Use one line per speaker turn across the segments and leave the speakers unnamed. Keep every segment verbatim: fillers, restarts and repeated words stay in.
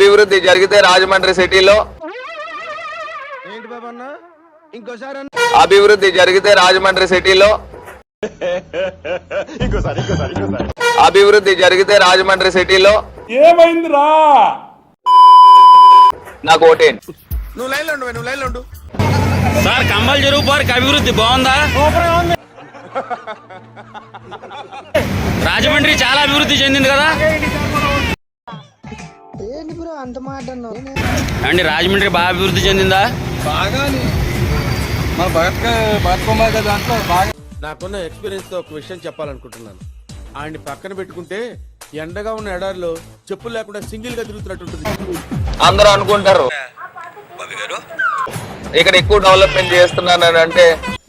అభివృద్ధి జరిగితే రాజమండ్రి సిటీలో
ఏంటి బాబన్న ఇంకోసారి
అభివృద్ధి జరిగితే రాజమండ్రి సిటీలో అభివృద్ధి జరిగితే రాజమండ్రి సిటీలో
ఏమైందిరా
నాకు ఓటేయండి.
నువ్వు లైన్లో ఉండు నువ్వు లైన్లో ఉండు
సార్ కంబల్ చెరువు పార్క్ అభివృద్ధి బాగుందా? రాజమండ్రి చాలా అభివృద్ధి చెందింది కదా అండి. రాజమండ్రి బాగా అభివృద్ధి చెందిందా?
బాగా మన భగత్ భగత్ కుమార్ గారి దాంట్లో బాగా. నాకున్న ఎక్స్పీరియన్స్ తో ఒక విషయం చెప్పాలనుకుంటున్నాను. ఆయన్ని పక్కన పెట్టుకుంటే ఎండగా ఉన్న ఎడారిలో చెప్పులు లేకుండా సింగిల్ గా తిరుగుతున్నట్టుంటుంది.
అందరూ అనుకుంటారు ఇక్కడ ఎక్కువ డెవలప్మెంట్ చేస్తున్నాను అంటే,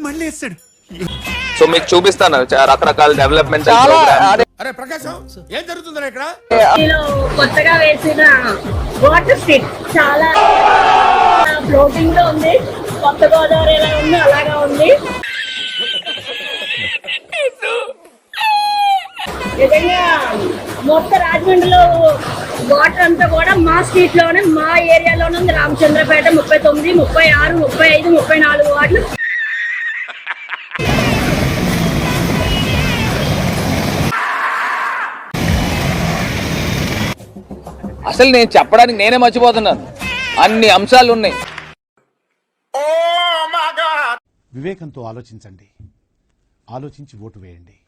సో మీకు చూపిస్తాను రకరకాల డెవలప్మెంట్.
అరే ప్రకాశం ఏం జరుగుతుందా ఇక్కడ?
కొత్తగా వేసిన వాటర్ స్ట్రీట్ చాలా ఫ్లోటింగ్ లో ఉంది. కొత్త గోదావరి ఎలా ఉంది అలాగా ఉంది. నిజంగా మొత్తం రాజమండ్రిలో వాటర్ అంతా కూడా మా స్ట్రీట్ లోనే మా ఏరియాలోనే ఉంది. రామచంద్రపేట ముప్పై తొమ్మిది ముప్పై ఆరు ముప్పై ఐదు ముప్పై నాలుగు వార్డులు.
అసలు నేను చెప్పడానికి నేనే మర్చిపోతున్నాను, అన్ని అంశాలు ఉన్నాయి.
వివేకంతో ఆలోచించండి, ఆలోచించి ఓటు వేయండి.